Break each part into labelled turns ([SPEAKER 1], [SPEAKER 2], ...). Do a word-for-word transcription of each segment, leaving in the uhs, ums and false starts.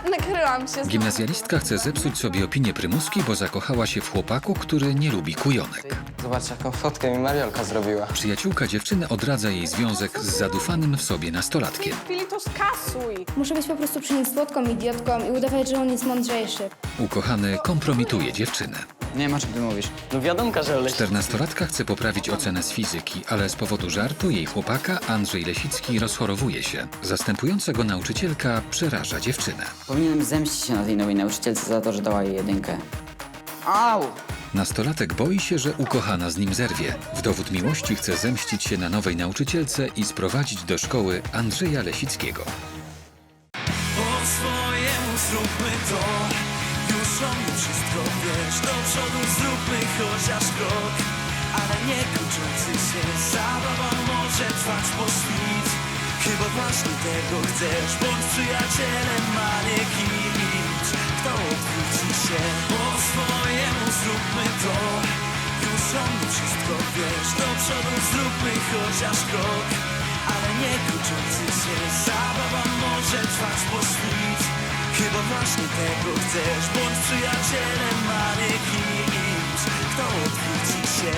[SPEAKER 1] Nakryłam się.
[SPEAKER 2] Gimnazjalistka chce zepsuć sobie opinię prymuski, bo zakochała się w chłopaku, który nie lubi kujonek.
[SPEAKER 3] Zobacz, jaką fotkę mi Mariolka zrobiła.
[SPEAKER 2] Przyjaciółka dziewczyny odradza jej związek z zadufanym w sobie nastolatkiem.
[SPEAKER 1] Chwili to skasuj.
[SPEAKER 4] Muszę być po prostu przy nim słodką idiotką i udawać, że on jest mądrzejszy.
[SPEAKER 2] Ukochany kompromituje dziewczynę.
[SPEAKER 5] Nie ma, czym ty mówisz.
[SPEAKER 3] No wiadomka, że Oleś...
[SPEAKER 2] Czternastolatka chce poprawić ocenę z fizyki, ale z powodu żartu jej chłopaka Andrzej Lesicki rozchorowuje się. Zastępująca go nauczycielka przeraża dziewczynę.
[SPEAKER 5] Powinienem zemścić się na tej nowej nauczycielce za to, że dała jej jedynkę. Au!
[SPEAKER 2] Nastolatek boi się, że ukochana z nim zerwie. W dowód miłości chce zemścić się na nowej nauczycielce i sprowadzić do szkoły Andrzeja Lesickiego.
[SPEAKER 6] Po swojemu zróbmy to, już o mnie wszystko wiesz. Do przodu zróbmy chociaż krok, ale nie kończący się. Zabawa może trwać po świt, chyba właśnie tego chcesz. Bądź przyjacielem, a nie kimś, kto odwróci się. Po swojemu zróbmy to, już o mnie wszystko wiesz. Do przodu zróbmy chociaż krok, ale nie kończący się. Zabawa może trwać po świt, chyba właśnie tego chcesz. Bądź przyjacielem, a nie kimś, kto odwróci się.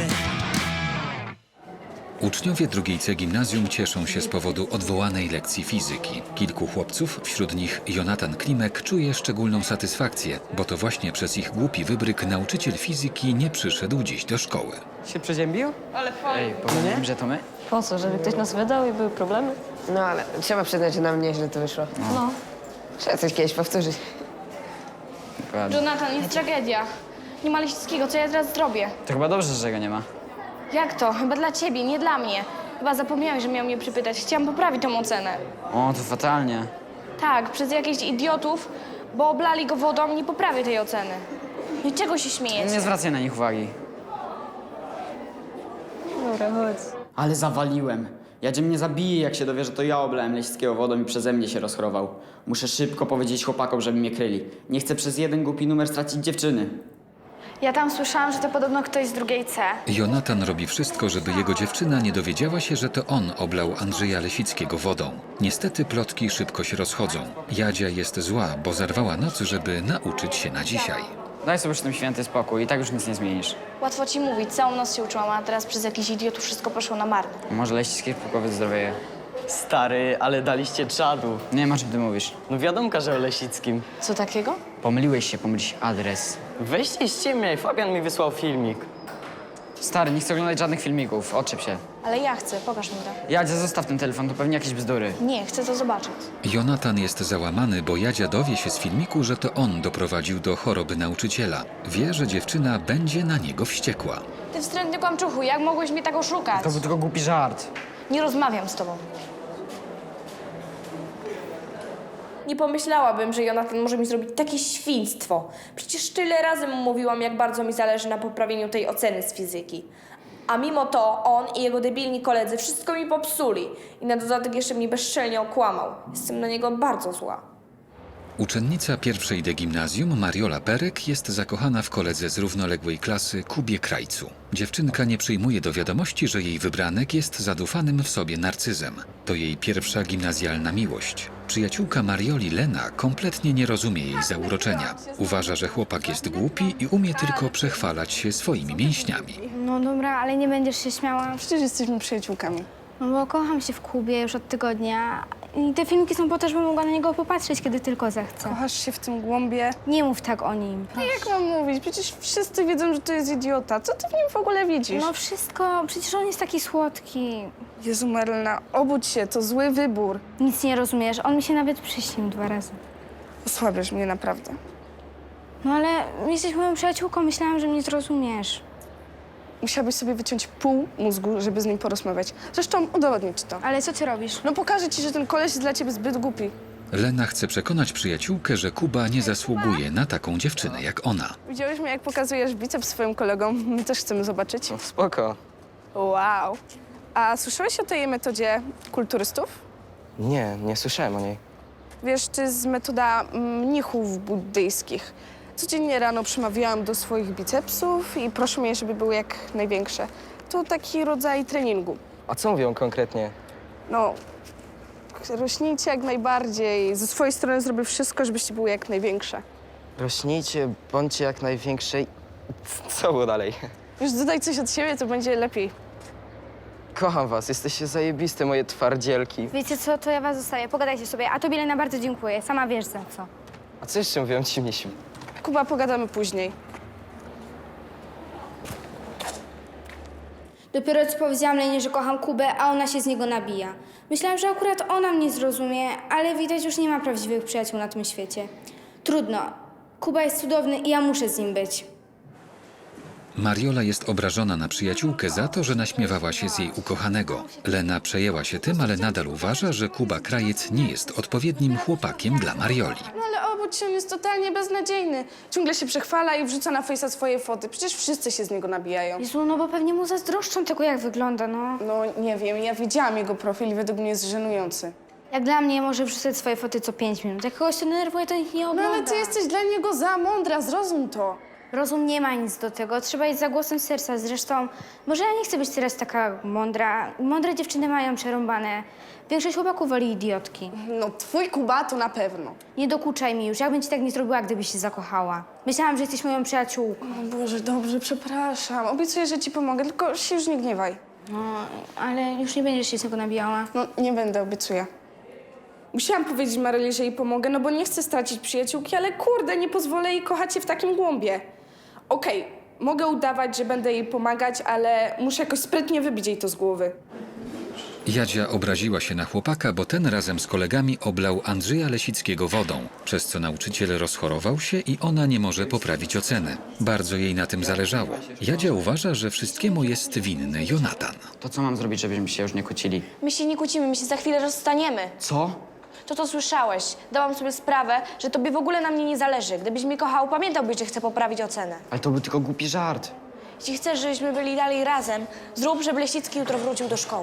[SPEAKER 2] Uczniowie drugiej C gimnazjum cieszą się z powodu odwołanej lekcji fizyki. Kilku chłopców, wśród nich Jonatan Klimek, czuje szczególną satysfakcję, bo to właśnie przez ich głupi wybryk nauczyciel fizyki nie przyszedł dziś do szkoły.
[SPEAKER 3] Się przeziębił?
[SPEAKER 5] Ej, powiem, że to my?
[SPEAKER 7] Po co, żeby ktoś nas wydał i były problemy?
[SPEAKER 8] No ale trzeba przyznać, że nam nieźle to wyszło.
[SPEAKER 7] No.
[SPEAKER 8] Trzeba coś kiedyś powtórzyć.
[SPEAKER 5] Dokładnie.
[SPEAKER 4] Jonatan, jest tragedia. Nie ma Lesickiego, co ja teraz zrobię?
[SPEAKER 5] To chyba dobrze, że go nie ma.
[SPEAKER 4] Jak to? Chyba dla ciebie, nie dla mnie. Chyba zapomniałeś, że miał mnie przypytać. Chciałam poprawić tą ocenę.
[SPEAKER 5] O, to fatalnie.
[SPEAKER 4] Tak, przez jakichś idiotów, bo oblali go wodą, nie poprawię tej oceny. No i czego się śmiejecie?
[SPEAKER 5] Nie zwracaj na nich uwagi.
[SPEAKER 7] Dobra, chodź.
[SPEAKER 5] Ale zawaliłem. Jadzie mnie zabije, jak się dowie, że to ja oblałem Lesickiego wodą i przeze mnie się rozchorował. Muszę szybko powiedzieć chłopakom, żeby mnie kryli. Nie chcę przez jeden głupi numer stracić dziewczyny.
[SPEAKER 4] Ja tam słyszałam, że to podobno ktoś z drugiej C.
[SPEAKER 2] Jonatan robi wszystko, żeby jego dziewczyna nie dowiedziała się, że to on oblał Andrzeja Lesickiego wodą. Niestety plotki szybko się rozchodzą. Jadzia jest zła, bo zarwała noc, żeby nauczyć się na dzisiaj.
[SPEAKER 5] Daj sobie już tym święty spokój i tak już nic nie zmienisz.
[SPEAKER 4] Łatwo ci mówić, całą noc się uczyłam, a teraz przez jakichś idiotów wszystko poszło na marne.
[SPEAKER 5] Może Lesicki pukowy zdrowieje.
[SPEAKER 3] Stary, ale daliście czadu.
[SPEAKER 5] Nie ma, czym ty mówisz.
[SPEAKER 3] No wiadomka, że o Lesickim.
[SPEAKER 4] Co takiego?
[SPEAKER 5] Pomyliłeś się, pomyliłeś adres.
[SPEAKER 3] Weźcie i ściemniaj, Fabian mi wysłał filmik.
[SPEAKER 5] Stary, nie chcę oglądać żadnych filmików, odczep się.
[SPEAKER 4] Ale ja chcę, pokaż mi to.
[SPEAKER 5] Jadzia, zostaw ten telefon, to pewnie jakieś bzdury.
[SPEAKER 4] Nie, chcę to zobaczyć.
[SPEAKER 2] Jonatan jest załamany, bo Jadzia dowie się z filmiku, że to on doprowadził do choroby nauczyciela. Wie, że dziewczyna będzie na niego wściekła.
[SPEAKER 4] Ty wstrętny kłamczuchu, jak mogłeś mnie tak oszukać?
[SPEAKER 5] To był tylko głupi żart.
[SPEAKER 4] Nie rozmawiam z tobą.
[SPEAKER 1] Nie pomyślałabym, że Jonatan może mi zrobić takie świństwo. Przecież tyle razy mu mówiłam, jak bardzo mi zależy na poprawieniu tej oceny z fizyki. A mimo to on i jego debilni koledzy wszystko mi popsuli. I na dodatek jeszcze mnie bezczelnie okłamał. Jestem na niego bardzo zła.
[SPEAKER 2] Uczennica pierwszej D gimnazjum Mariola Perek jest zakochana w koledze z równoległej klasy Kubie Krajcu. Dziewczynka nie przyjmuje do wiadomości, że jej wybranek jest zadufanym w sobie narcyzem. To jej pierwsza gimnazjalna miłość. Przyjaciółka Marioli Lena kompletnie nie rozumie jej zauroczenia. Uważa, że chłopak jest głupi i umie tylko przechwalać się swoimi mięśniami.
[SPEAKER 4] No dobra, ale nie będziesz się śmiała.
[SPEAKER 1] Przecież jesteśmy przyjaciółkami.
[SPEAKER 4] No bo kocham się w Kubie już od tygodnia. I te filmiki są po to, żebym mogła na niego popatrzeć, kiedy tylko zechcę.
[SPEAKER 1] Kochasz się w tym głąbie?
[SPEAKER 4] Nie mów tak o nim.
[SPEAKER 1] Jak mam mówić? Przecież wszyscy wiedzą, że to jest idiota. Co ty w nim w ogóle widzisz?
[SPEAKER 4] No wszystko, przecież on jest taki słodki.
[SPEAKER 1] Jezu, Marlena, obudź się, to zły wybór.
[SPEAKER 4] Nic nie rozumiesz, on mi się nawet przyśnił dwa razy.
[SPEAKER 1] Osłabiasz mnie naprawdę.
[SPEAKER 4] No ale jesteś moją przyjaciółką, myślałam, że mnie zrozumiesz.
[SPEAKER 1] Musiałabyś sobie wyciąć pół mózgu, żeby z nim porozmawiać. Zresztą udowodnię ci to.
[SPEAKER 4] Ale co ty robisz?
[SPEAKER 1] No pokażę ci, że ten koleś jest dla ciebie zbyt głupi.
[SPEAKER 2] Lena chce przekonać przyjaciółkę, że Kuba nie zasługuje na taką dziewczynę jak ona.
[SPEAKER 1] Widziałeś mnie, jak pokazujesz biceps swoim kolegom? My też chcemy zobaczyć.
[SPEAKER 3] No spoko.
[SPEAKER 1] Wow. A słyszałeś o tej metodzie kulturystów?
[SPEAKER 3] Nie, nie słyszałem o niej.
[SPEAKER 1] Wiesz, to jest metoda mnichów buddyjskich. Codziennie rano przemawiałam do swoich bicepsów i proszę mnie, żeby były jak największe. To taki rodzaj treningu.
[SPEAKER 3] A co mówią konkretnie?
[SPEAKER 1] No,
[SPEAKER 9] rośnijcie jak najbardziej. Ze swojej strony zrobię wszystko, żebyście były jak największe.
[SPEAKER 3] Rośnijcie, bądźcie jak największej. Co było dalej?
[SPEAKER 9] Już dodaj coś od siebie, to będzie lepiej.
[SPEAKER 3] Kocham was, jesteście zajebiste, moje twardzielki.
[SPEAKER 4] Wiecie co, to ja was zostawię, pogadajcie sobie. A tobie, Lena, bardzo dziękuję. Sama wiesz za co.
[SPEAKER 3] A co jeszcze mówią ci misiu?
[SPEAKER 9] Kuba, pogadamy później.
[SPEAKER 4] Dopiero co powiedziałam Lenie, że kocham Kubę, a ona się z niego nabija. Myślałam, że akurat ona mnie zrozumie, ale widać, już nie ma prawdziwych przyjaciół na tym świecie. Trudno. Kuba jest cudowny i ja muszę z nim być.
[SPEAKER 2] Mariola jest obrażona na przyjaciółkę za to, że naśmiewała się z jej ukochanego. Lena przejęła się tym, ale nadal uważa, że Kuba Krajec nie jest odpowiednim chłopakiem dla Marioli.
[SPEAKER 9] No ale obudź się, on jest totalnie beznadziejny. Ciągle się przechwala i wrzuca na fejsa swoje foty. Przecież wszyscy się z niego nabijają.
[SPEAKER 4] Jezu, no bo pewnie mu zazdroszczą tego, jak wygląda, no.
[SPEAKER 9] No nie wiem, ja widziałam jego profil i według mnie jest żenujący.
[SPEAKER 4] Jak dla mnie może wrzucać swoje foty co pięć minut. Jak kogoś to denerwuje, to nikt nie
[SPEAKER 9] No
[SPEAKER 4] ogląda.
[SPEAKER 9] ale ty jesteś dla niego za mądra, zrozum to.
[SPEAKER 4] Rozum nie ma nic do tego, trzeba iść za głosem serca. Zresztą, może ja nie chcę być teraz taka mądra. Mądre dziewczyny mają przerąbane. Większość chłopaków woli idiotki.
[SPEAKER 9] No twój Kuba to na pewno.
[SPEAKER 4] Nie dokuczaj mi już, ja bym ci tak nie zrobiła, gdybyś się zakochała. Myślałam, że jesteś moją przyjaciółką.
[SPEAKER 9] O Boże, dobrze, przepraszam. Obiecuję, że ci pomogę, tylko się już nie gniewaj.
[SPEAKER 4] No, ale już nie będziesz się z tego nabijała.
[SPEAKER 9] No nie będę, obiecuję. Musiałam powiedzieć Maryli, że jej pomogę, no bo nie chcę stracić przyjaciółki, ale kurde, nie pozwolę jej kochać się w takim głąbie. Okej, mogę udawać, że będę jej pomagać, ale muszę jakoś sprytnie wybić jej to z głowy.
[SPEAKER 2] Jadzia obraziła się na chłopaka, bo ten razem z kolegami oblał Andrzeja Lesickiego wodą, przez co nauczyciel rozchorował się i ona nie może poprawić oceny. Bardzo jej na tym zależało. Jadzia uważa, że wszystkiemu jest winny Jonatan.
[SPEAKER 5] To co mam zrobić, żebyśmy się już nie kłócili?
[SPEAKER 1] My się nie kłócimy, my się za chwilę rozstaniemy.
[SPEAKER 5] Co?
[SPEAKER 1] To to słyszałeś. Dałam sobie sprawę, że tobie w ogóle na mnie nie zależy. Gdybyś mnie kochał, pamiętałbyś, że chcę poprawić ocenę.
[SPEAKER 5] Ale to był tylko głupi żart.
[SPEAKER 1] Jeśli chcesz, żebyśmy byli dalej razem, zrób, żeby Lesicki jutro wrócił do szkoły.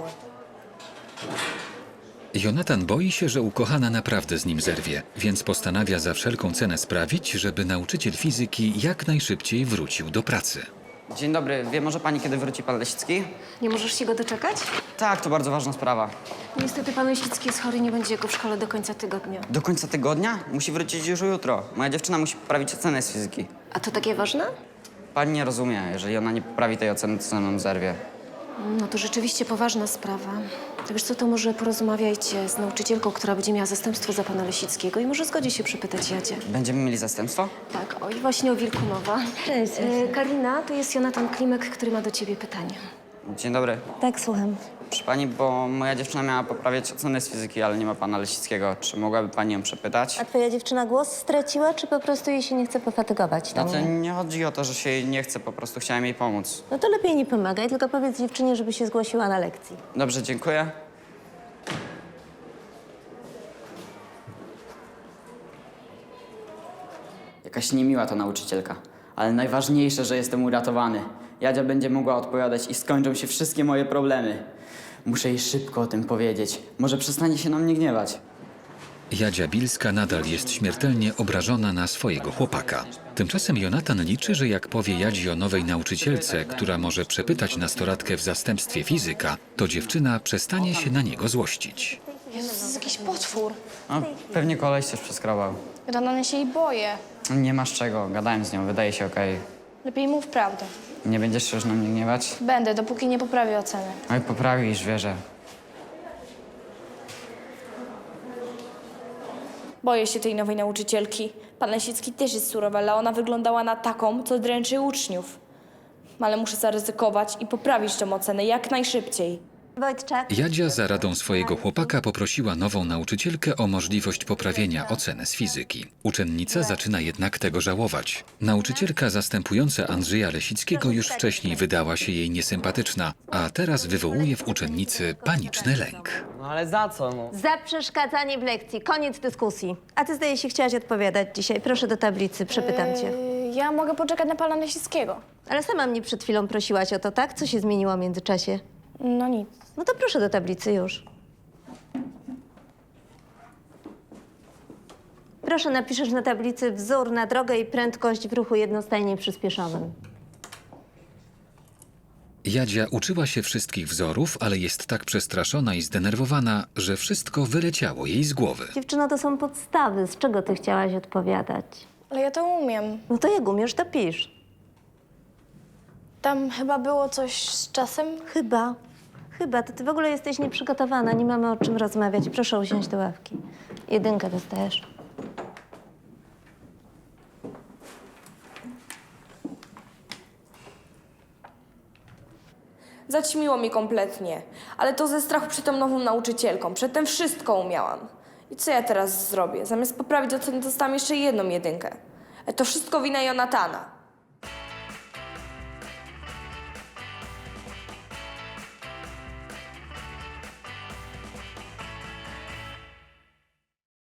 [SPEAKER 2] Jonatan boi się, że ukochana naprawdę z nim zerwie, więc postanawia za wszelką cenę sprawić, żeby nauczyciel fizyki jak najszybciej wrócił do pracy.
[SPEAKER 5] Dzień dobry, wie może pani, kiedy wróci pan Lesicki?
[SPEAKER 7] Nie możesz się go doczekać?
[SPEAKER 5] Tak, to bardzo ważna sprawa.
[SPEAKER 7] Niestety pan Lesicki jest chory, nie będzie go w szkole do końca tygodnia.
[SPEAKER 5] Do końca tygodnia? Musi wrócić już jutro. Moja dziewczyna musi poprawić ocenę z fizyki.
[SPEAKER 7] A to takie ważne?
[SPEAKER 5] Pani nie rozumie, jeżeli ona nie poprawi tej oceny, to ze mną zerwie.
[SPEAKER 7] No to rzeczywiście poważna sprawa. To wiesz co, to może porozmawiajcie z nauczycielką, która będzie miała zastępstwo za pana Lesickiego i może zgodzi się przypytać Jadzie.
[SPEAKER 5] Będziemy mieli zastępstwo?
[SPEAKER 7] Tak, oj, właśnie o wilku mowa.
[SPEAKER 8] Cześć.
[SPEAKER 7] E, Karina, to jest Jonatan Klimek, który ma do ciebie pytanie.
[SPEAKER 5] Dzień dobry.
[SPEAKER 8] Tak, słucham.
[SPEAKER 5] Proszę pani, bo moja dziewczyna miała poprawiać ocenę z fizyki, ale nie ma pana Lesickiego. Czy mogłaby pani ją przepytać?
[SPEAKER 8] A twoja dziewczyna głos straciła, czy po prostu jej się nie chce pofatygować? Tam
[SPEAKER 5] Znaczy, nie chodzi o to, że się jej nie chce, po prostu chciałem jej pomóc.
[SPEAKER 8] No to lepiej nie pomagaj, tylko powiedz dziewczynie, żeby się zgłosiła na lekcji.
[SPEAKER 5] Dobrze, dziękuję. Jakaś niemiła to nauczycielka, ale najważniejsze, że jestem uratowany. Jadzia będzie mogła odpowiadać i skończą się wszystkie moje problemy. Muszę jej szybko o tym powiedzieć. Może przestanie się na mnie gniewać.
[SPEAKER 2] Jadzia Bilska nadal jest śmiertelnie obrażona na swojego chłopaka. Tymczasem Jonatan liczy, że jak powie Jadzi o nowej nauczycielce, która może przepytać nastolatkę w zastępstwie fizyka, to dziewczyna przestanie się na niego złościć.
[SPEAKER 1] Jezu, to jest jakiś potwór.
[SPEAKER 5] No, pewnie koleś coś przeskrobał.
[SPEAKER 1] Rano ja się jej boję.
[SPEAKER 5] Nie masz czego, gadałem z nią, wydaje się okej.
[SPEAKER 1] Lepiej mów prawdę.
[SPEAKER 5] Nie będziesz się już na mnie gniewać?
[SPEAKER 1] Będę, dopóki nie poprawię oceny.
[SPEAKER 5] Oj, poprawisz, wierzę.
[SPEAKER 1] Boję się tej nowej nauczycielki. Pan Lesicki też jest surowy, ale ona wyglądała na taką, co dręczy uczniów. Ale muszę zaryzykować i poprawić tę ocenę jak najszybciej.
[SPEAKER 8] Wojtczak.
[SPEAKER 2] Jadzia za radą swojego chłopaka poprosiła nową nauczycielkę o możliwość poprawienia oceny z fizyki. Uczennica zaczyna jednak tego żałować. Nauczycielka zastępująca Andrzeja Lesickiego już wcześniej wydała się jej niesympatyczna, a teraz wywołuje w uczennicy paniczny lęk.
[SPEAKER 3] No ale za co, no?
[SPEAKER 8] Za przeszkadzanie w lekcji. Koniec dyskusji. A ty, zdaje się, chciałaś odpowiadać dzisiaj. Proszę do tablicy, przepytam cię.
[SPEAKER 1] Yy, ja mogę poczekać na pana Lesickiego.
[SPEAKER 8] Ale sama mnie przed chwilą prosiłaś o to, tak? Co się zmieniło w międzyczasie?
[SPEAKER 1] No nic.
[SPEAKER 8] No to proszę do tablicy już. Proszę, napiszesz na tablicy wzór na drogę i prędkość w ruchu jednostajnie przyspieszonym.
[SPEAKER 2] Jadzia uczyła się wszystkich wzorów, ale jest tak przestraszona i zdenerwowana, że wszystko wyleciało jej z głowy.
[SPEAKER 8] Dziewczyno, to są podstawy. Z czego ty chciałaś odpowiadać?
[SPEAKER 10] Ale ja to umiem.
[SPEAKER 8] No to jak umiesz, to pisz.
[SPEAKER 10] Tam chyba było coś z czasem.
[SPEAKER 8] Chyba. Chyba. To ty w ogóle jesteś nieprzygotowana. Nie mamy o czym rozmawiać. Proszę usiąść do ławki. Jedynkę dostajesz.
[SPEAKER 1] Zaćmiło mi kompletnie, ale to ze strachu przed tą nową nauczycielką. Przedtem wszystko umiałam. I co ja teraz zrobię? Zamiast poprawić oceny, dostałam jeszcze jedną jedynkę. E, To wszystko wina Jonatana.